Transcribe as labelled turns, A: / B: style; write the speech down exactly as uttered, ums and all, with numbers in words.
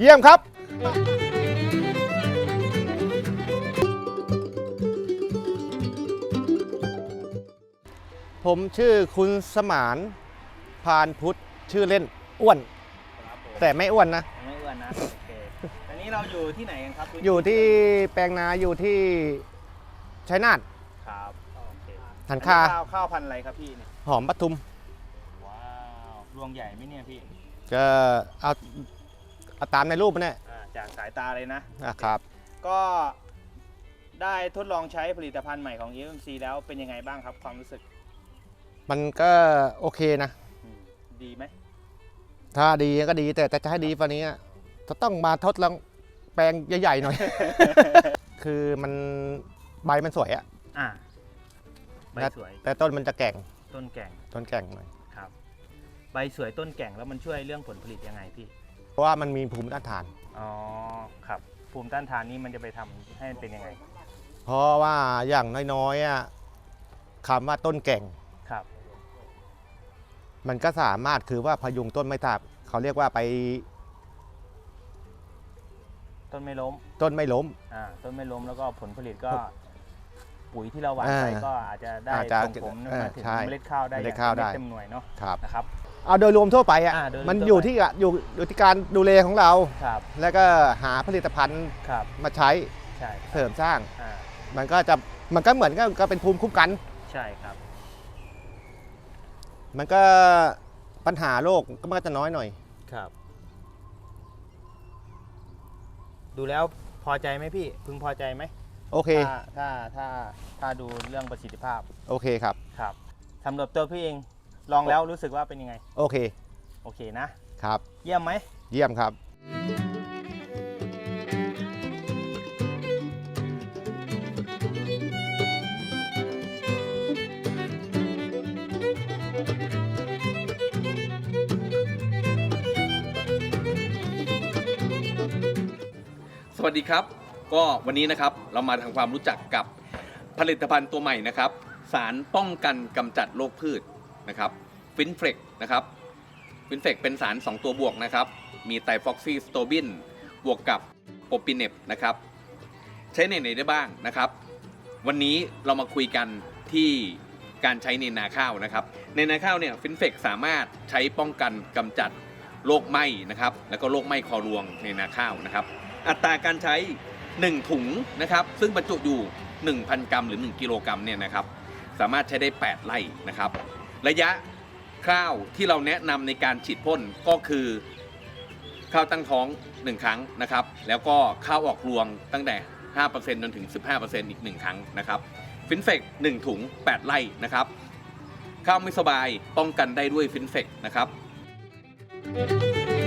A: เยี่ยมครับผมชื่อคุณสมานพานพุทธชื่อเล่นอ้วนแต่ไม่อ้วนนะ
B: ไม่อ้วนนะโอเคอันนี้เราอยู่ที่ไหนกันครับ
A: อยู่ที่แปลงนาอยู่ที่ชัยนาท
B: ครับโอเค
A: หันคา
B: ข้าวข้าวพันธุ์อะไรครับพี่เนี่ย
A: หอมปทุม
B: ว้าวรวงใหญ่ไหมเนี่ยพี่
A: ก็เอาเอาตามในรูปนี่
B: อ่าจากสายตาเลยนะ
A: นะครับ
B: ก็ได้ทดลองใช้ผลิตภัณฑ์ใหม่ของ เอ เอ็ม ซี แล้วเป็นยังไงบ้างครับความรู้สึก
A: มันก็โอเคนะ
B: อืมดีไหม
A: ถ้าดีก็ดีแต่แต่จะให้ดีกว่านี้จะต้องมาทดลองแปลงใหญ่ๆหน่อย คือมันใบมันสวยอะ
B: อ่าใบสวย
A: แต่ต้นมันจะแก่ง
B: ต้นแก่ง
A: ต้นแก่งหน่อย
B: ครับใบสวยต้นแก่งแล้วมันช่วยเรื่องผลผลิตยังไงพี่
A: เพราะว่ามันมีภูมิต้านทาน
B: อ๋อครับภูมิต้านทานนี้มันจะไปทำให้เป็นยังไง
A: เพราะว่าอย่างน้อยๆอะคำว่าต้นแก่ง
B: ครับ
A: มันก็สามารถคือว่าพยุงต้นไม่ตาบเขาเรียกว่าไป
B: ต้นไม่ล้ม
A: ต้นไม่ล้ม
B: อ่าต้นไม่ล้มแล้วก็ผลผลิตก็ปุ๋ยที่เราหว่านไป
A: อ่า
B: ก็อาจจะได้
A: อาจจะ
B: ส่งผล
A: เออ
B: มาถึง
A: ใช่
B: เมล็ดข้าวได้
A: เมล็ด
B: อย่ง
A: ข้าว
B: เต็ม
A: ได้
B: เต็มหน่วยเนาะ
A: ครับ
B: นะครับ
A: เอาโดยรวมทั่วไปอ่ะ
B: อ่าโดยรวม
A: มัน
B: ทั่ว
A: อยู่
B: ไป
A: ที่อ่ะอยู่อยู่ที่การดูแลของเรา
B: ครับ
A: แล้วก็หาผลิตภัณฑ์
B: ครับ
A: มาใช้
B: ใช่
A: เสริมสร้าง
B: อ่า
A: มันก็จะมันก็เหมือนก็ก็เป็นภูมิคุ้มกัน
B: ใช่ครับ
A: มันก็ปัญหาโรคก็มันก็จะน้อยหน่อย
B: ครับ ดูแล้วพอใจไหมพี่พึงพอใจไหม
A: โอเค
B: ถ้าถ้าถ้าถ้าดูเรื่องประสิทธิภาพ
A: โอเคครับ
B: ครับสำหรับตัวพี่เองลองแล้วรู้สึกว่าเป็นยังไง
A: โอเค
B: โอเคนะครับ เยี่ยมไหม
A: เยี่ยมครับ
C: สวัสดีครับก็วันนี้นะครับเรามาทำความรู้จักกับผลิตภัณฑ์ตัวใหม่นะครับสารป้องกันกำจัดโรคพืชนะครับฟินเฟกนะครับฟินเฟกเป็นสารสองตัวบวกนะครับมีไตรฟอกซีสโตบินบวกกับโอปิเนปนะครับใช้ในไหนได้บ้างนะครับวันนี้เรามาคุยกันที่การใช้ในนาข้าวนะครับในนาข้าวเนี่ยฟินเฟกสามารถใช้ป้องกันกำจัดโรคไหม้นะครับแล้วก็โรคไหม้คอรวงในนาข้าวนะครับอัตราการใช้หนึ่งถุงนะครับซึ่งบรรจุอยู่ หนึ่งพัน กรัมหรือหนึ่งกิโลกรัมเนี่ยนะครับสามารถใช้ได้แปดไร่นะครับระยะข้าวที่เราแนะนำในการฉีดพ่นก็คือข้าวตั้งท้องหนึ่งครั้งนะครับแล้วก็ข้าวออกรวงตั้งแต่ ห้าเปอร์เซ็นต์ จนถึง สิบห้าเปอร์เซ็นต์ อีกหนึ่งครั้งนะครับฟินเฟกหนึ่งถุงแปดไร่นะครับข้าวไม่สบายป้องกันได้ด้วยฟินเฟกนะครับ